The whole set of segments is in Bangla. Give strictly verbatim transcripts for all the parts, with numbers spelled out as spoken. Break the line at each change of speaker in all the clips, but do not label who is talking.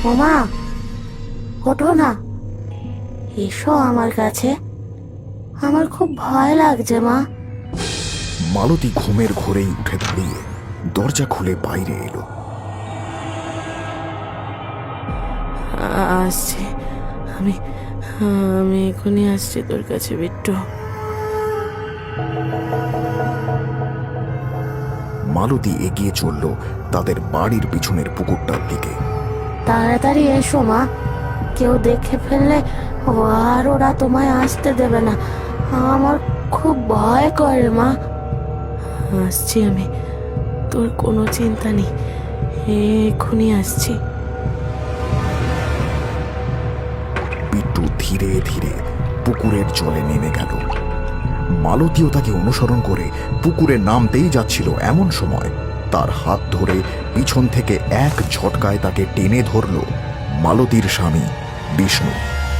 ওমা, ওঠো না, এসো আমার কাছে, আমার খুব ভয় লাগছে মা।
মালতী ঘুমের ঘোরেই উঠে দাঁড়িয়ে দরজা খুলে বাইরে এলো।
আসছি, আমি আমি এখনই আসছি তোর কাছে বিট্টু।
মালতী এগিয়ে চলল তাদের বাড়ির পিছনের পুকুরটার দিকে।
তাড়াতাড়ি এসো মা, কেউ দেখে ফেললে ও আর ওরা তোমায় আসতে দেবে না, আমার খুব ভয় করে মা। আসছি আমি, তোর কোনো চিন্তা নেই, এক্ষুনি আসছি।
বিট্টু ধীরে ধীরে পুকুরের জলে নেমে গেল। মালতীও তাকে অনুসরণ করে পুকুরে নামতেই যাচ্ছিল, এমন সময় তার হাত ধরে পিছন থেকে এক ঝটকায় তাকে টেনে ধরল মালতীর স্বামী বিষ্ণু।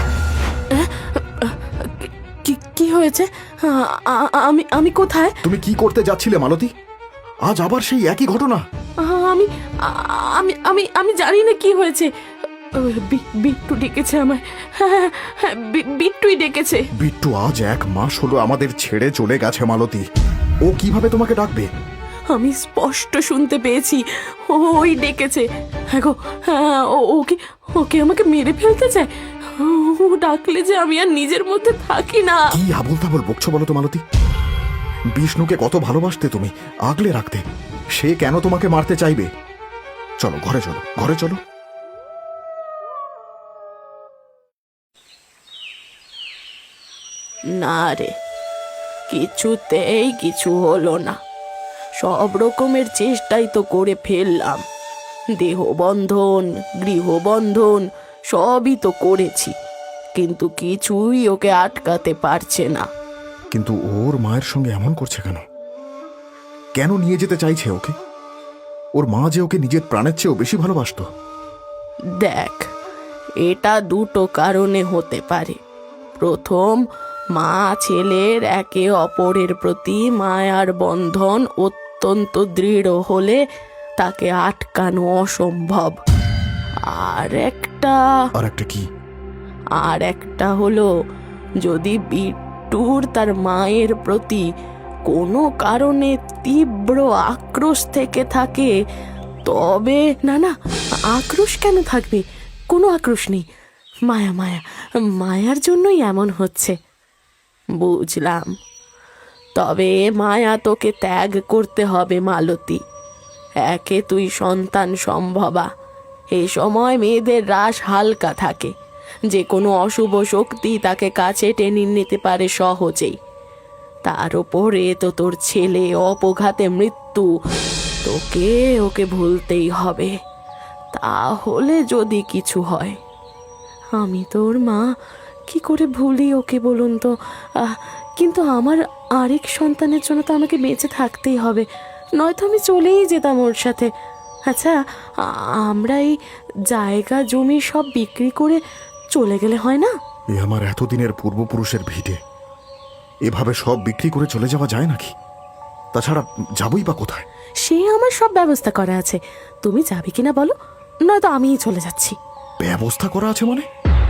কি হয়েছে? আমি আমি কোথায়?
তুমি কি করতে যাচ্ছিলে মালতী? আজ আবার সেই একই ঘটনা?
আমি আমি আমি আমি জানি না কি হয়েছে। বিট্টু ডেকেছে আমায়, হ্যাঁ হ্যাঁ, বিট্টুই ডেকেছে।
বিট্টু আজ এক মাস হলো আমাদের ছেড়ে চলে গেছে মালতী, ও কিভাবে তোমাকে ডাকবে?
আমি স্পষ্ট শুনতে পেয়েছি, ওই ডেকেছে। হ্যাঁ গো, হ্যাঁ, ওকে ওকে আমাকে মেরে ফেলতে চায়। ও ডাকলে যে আমি আর নিজের মধ্যে থাকি না।
কি আবল তাবল বকছো বলো তো মালতী? বিষ্ণুকে কত ভালোবাসতে তুমি, আগলে রাখতে, সে কেন তোমাকে মারতে চাইবে? চলো ঘরে, চলো ঘরে চলো।
না রে, কিছুতেই কিছু হলো না। সব রকমের চেষ্টাই তো করে ফেললাম, দেহবন্ধন, গৃহবন্ধন সবই তো করেছি, কিন্তু কিছুই ওকে আটকাতে পারছে না।
কিন্তু ওর মায়ের সঙ্গে এমন করছে কেন? কেন নিয়ে যেতে চাইছে ওকে? ওর মা যে ওকে নিজের প্রাণের চেয়েও বেশি ভালোবাসতো।
দেখ, এটা দুটো কারণে হতে পারে। প্রথম, মা ছেলের একে অপরের প্রতি মায়ার বন্ধন অত্যন্ত দৃঢ় হলে তাকে আটকানো অসম্ভব। আর একটা
আর একটা কি?
আর একটা হলো, যদি বিট্টুর তার মায়ের প্রতি কোনো কারণে তীব্র আক্রোশ থেকে থাকে, তবে না না, আক্রোশ কেন থাকবে? কোনো আক্রোশ নেই, মায়া মায়া মায়ার জন্যই এমন হচ্ছে। বুঝলাম, তবে মায়া তোকে ত্যাগ করতে হবে মালতী। একে তুই সন্তান সম্ভবা, এই সময় মেয়েদের রাশ হালকা থাকে, যে কোনো অশুভ শক্তি তাকে কাছে টেনে নিতে পারে সহজেই। তার উপরে তো তোর ছেলে অপঘাতে মৃত্যু, তোকে ওকে ভুলতেই হবে, তাহলে যদি কিছু হয়। আমি তোর মা, কি করে ভুলি ওকে বলুন তো? কিন্তু আমার আরেক সন্তানের জন্য তো আমাকে বেঁচে থাকতেই হবে, নয়তো আমি চলেই যেতাম ওর সাথে। আচ্ছা, আমরা এই জায়গা জমি সব বিক্রি করে চলে গেলে হয় না?
এ আমার এতদিনের পূর্বপুরুষের ভিটে, এভাবে সব বিক্রি করে চলে যাওয়া যায় নাকি? তাছাড়া যাবই বা কোথায়?
সে আমার সব ব্যবস্থা করা আছে, তুমি যাবে কিনা বলো, নয়তো আমিই চলে যাচ্ছি।
ব্যবস্থা করা আছে মানে?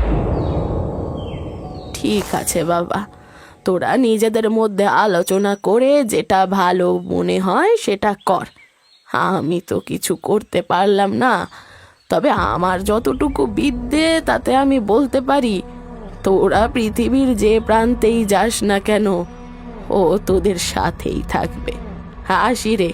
ঠিক আছে বাবা, তোরা নিজেদের মধ্যে আলোচনা করে যেটা ভালো মনে হয় সেটা কর। আমি তো কিছু করতে পারলাম না, তবে আমার যতটুকু বিদ্যে তাতে আমি বলতে পারি, তোরা পৃথিবীর যে প্রান্তেই যাস না কেন, ও তোদের সাথেই থাকবে। হাসি রে।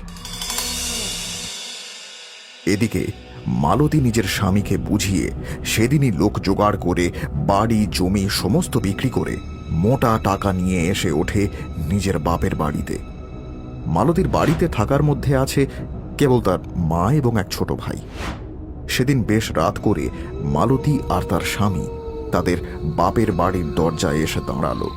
এদিকে মালতী নিজের স্বামীকে বুঝিয়ে সেদিনই লোক জোগাড় করে বাড়ি জমি সমস্ত বিক্রি করে মোটা টাকা নিয়ে এসে ওঠে নিজের বাপের বাড়িতে। মালতীর বাড়িতে থাকার মধ্যে আছে কেবল তার মা এবং এক ছোট ভাই। সেদিন বেশ রাত করে মালতী আর তার স্বামী তাদের বাপের বাড়ির দরজায় এসে দাঁড়ালো।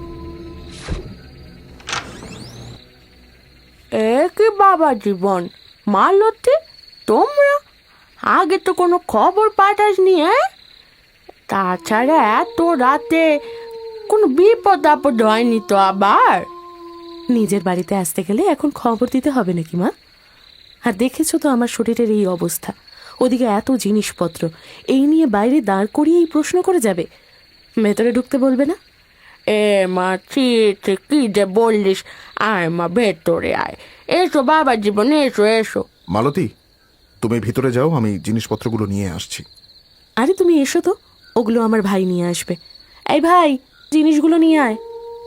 একে বাবা জীবন, মালতী, তোমরা আগে তো কোনো খবর পাঠাসনি? তাছাড়া এত রাতে কোনো বিপদ আপদ হয়নি তো? আবার নিজের বাড়িতে আসতে গেলে এখন খবর দিতে হবে নাকি মা? আর দেখেছো তো আমার শরীরের এই অবস্থা, ওদিকে এত জিনিসপত্র, এই নিয়ে বাইরে দাঁড় করিয়ে এই প্রশ্ন করে যাবে? ভেতরে ঢুকতে বলবে না? এ মা, ছি ছি, কি যে বললিস! আয় মা, ভেতরে আয়। এসো বাবা জীবন, এসো এসো।
মালতী, তুমি ভিতরে যাও, আমি জিনিসপত্রগুলো নিয়ে আসছি।
আরে তুমি এসো তো, ওগুলো আমার ভাই নিয়ে আসবে। এই ভাই, জিনিসগুলো নিয়ে আয়।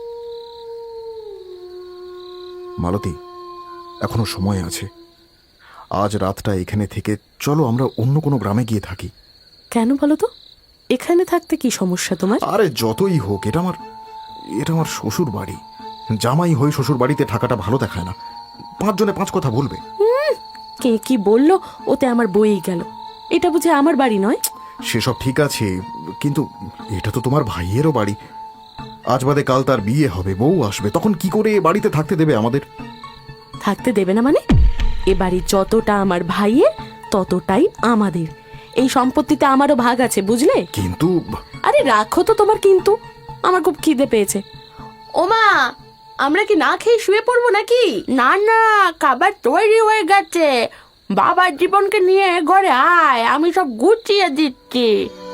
মালতী, এখনো সময় আছে। আজ রাতটা এখানে থেকে চলো আমরা অন্য কোনো গ্রামে গিয়ে থাকি।
কেন বলো তো? এখানে থাকতে কি সমস্যা তোমার?
আরে যতই হোক, এটা আমার এটা আমার শ্বশুর বাড়ি। জামাই হয়ে শ্বশুর বাড়িতে থাকাটা ভালো দেখায় না। পাঁচজনে পাঁচ কথা বলবে।
কে কি বললো ওতে আমার বইই গেল। এটা বুঝে আমার বাড়ি নয়?
সেসব ঠিক আছে, কিন্তু এটা তো তোমার ভাইয়েরও বাড়ি। আজ বাদে কাল তার বিয়ে হবে, বউ আসবে, তখন কি করে এ বাড়িতে থাকতে দেবে আমাদের?
থাকতে দেবে না মানে? এ বাড়ি যতটা আমার ভাইয়ের ততটাই আমাদের। এই সম্পত্তিতে আমারও ভাগ আছে, বুঝলে?
কিন্তু
আরে রাখো তো তোমার কিন্তু, আমার খুব খিদে পেয়েছে। ওমা, আমরা কি না খেয়ে শুয়ে পড়বো নাকি? না না, খাবার তৈরি হয়ে গেছে। বাবার জীবনকে নিয়ে ঘরে আয়, আমি সব গুছিয়ে দিচ্ছি।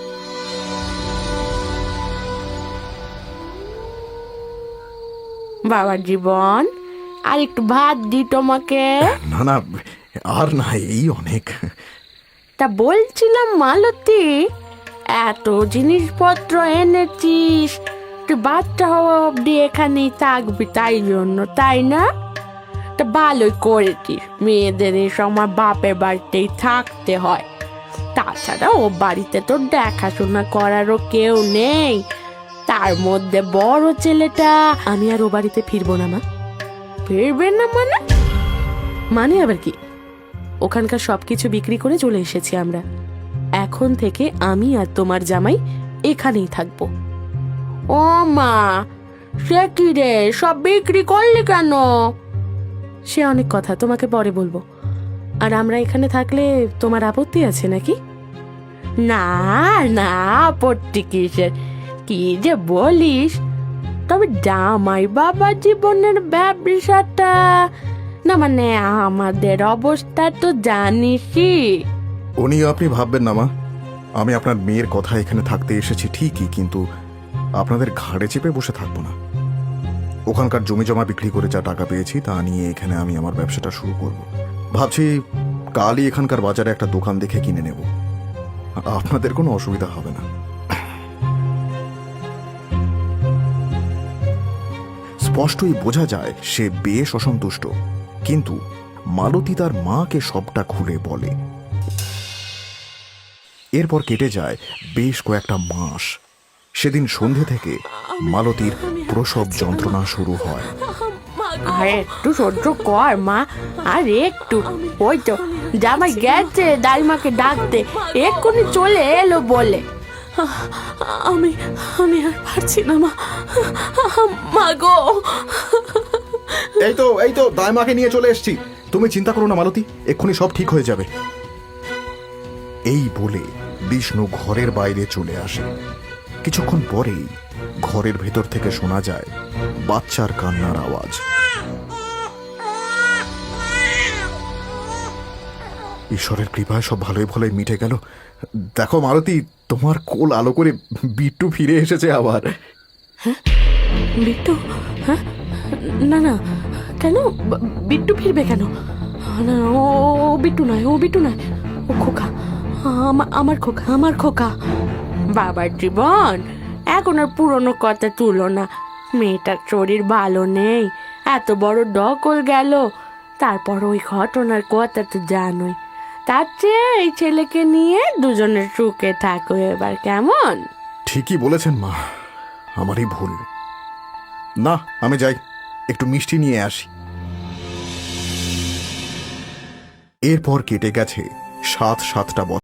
বাবার জীবন, আর একটু ভাত দি তোমাকে।
না না, আর না, এই অনেক।
তা বলছিলাম মালতী, এত জিনিসপত্র এনেছিস, তুই বাচ্চা হওয়া অব্দি এখানেই থাকবি তাই জন্য, তাই না? তা ভালোই করেছিস। মেয়েদের এই সময় বাপের বাড়িতেই থাকতে হয়। তাছাড়া ও বাড়িতে তো দেখাশোনা করারও কেউ নেই। তার মধ্যে বড় ছেলেটা। আমি আর ও বাড়িতে ফিরবো না মা। ফিরবে না মানে? মানে আবার কি? ওখানকার সবকিছু বিক্রি করে চলে এসেছি আমরা। এখন থেকে আমি আর তোমার জামাই এখানেই থাকবো। ও মা, সে কি রে, সব বিক্রি করলি কেন? সে অনেক কথা, তোমাকে পরে বলবো। আর আমরা এখানে থাকলে তোমার আপত্তি আছে নাকি? না না, আপত্তি কিসের? কি যে বলিস! তবে জামাই বাবা জীবনের ব্যবসাটা না, মানে আমাদের অবস্থা তো জানিসই।
উনি আপনি ভাববেন না মা, আমি আপনার মেয়ের কথা এখানে থাকতে এসেছি ঠিকই, কিন্তু আপনাদের ঘাড়ে চেপে বসে থাকবো না। ওখানকার জমি জমা বিক্রি করে যা টাকা পেয়েছি তা নিয়ে এখানে আমি আমার ব্যবসাটা শুরু করব। ভাবছি কালই এখানকার বাজারে একটা দোকান দেখে কিনে নেব। আপনাদের কোনো অসুবিধা হবে না। স্পষ্টই বোঝা যায় সে বেশ অসন্তুষ্ট, কিন্তু মালতী তার মাকে সবটা খুলে বলে। এরপর কেটে যায় বেশ কয়েকটা মাস। সেদিন সন্ধে থেকে মালতীর প্রসব যন্ত্রণা শুরু হয়।
আর একটু সহ্য কর মা, আর একটু। ওই তো জামাই গেছে দাইমাকে ডাকতে, এক্ষুনি চলে এলো বলে। আমি আমি আর পারছি না মা, মা গো।
এই তো এই তো দাইমাকে নিয়ে চলে এসেছি, তুমি চিন্তা করো না মালতী, এক্ষুনি সব ঠিক হয়ে যাবে। এই বলে বিষ্ণু ঘরের বাইরে চলে আসে। কিছুক্ষণ পরেই ঘরের ভেতর থেকে শোনা যায় বাচ্চার কান্নার আওয়াজ। ঈশ্বরের কৃপায় সব ভালোই ভালোই মিটে গেল। দেখো মালতী, তোমার কোল আলো করে বিট্টু ফিরে এসেছে আবার।
হ্যাঁ, বিট্টু? হ্যাঁ, না না, কেন বিট্টু ফিরবে কেন? না, ও বিট্টু নয়, ও বিট্টু নয়, ও খোকা, আমার খোকা, আমার খোকা। বাবার জীবন, এখন আর পুরনো কথা তুলো না। মেয়েটার শরীর ভালো নেই, এত বড় ডকল গেল, তারপর ওই ঘটনার কথা তো জানোই। তার চেয়ে এই ছেলেকে নিয়ে দুজনের সুখে থাকো এবার, কেমন?
ঠিকই বলেছেন মা, আমারই ভুল। না, আমি যাই, একটু মিষ্টি নিয়ে আসি। এরপর কেটে গেছে সাত সাতটা বছর।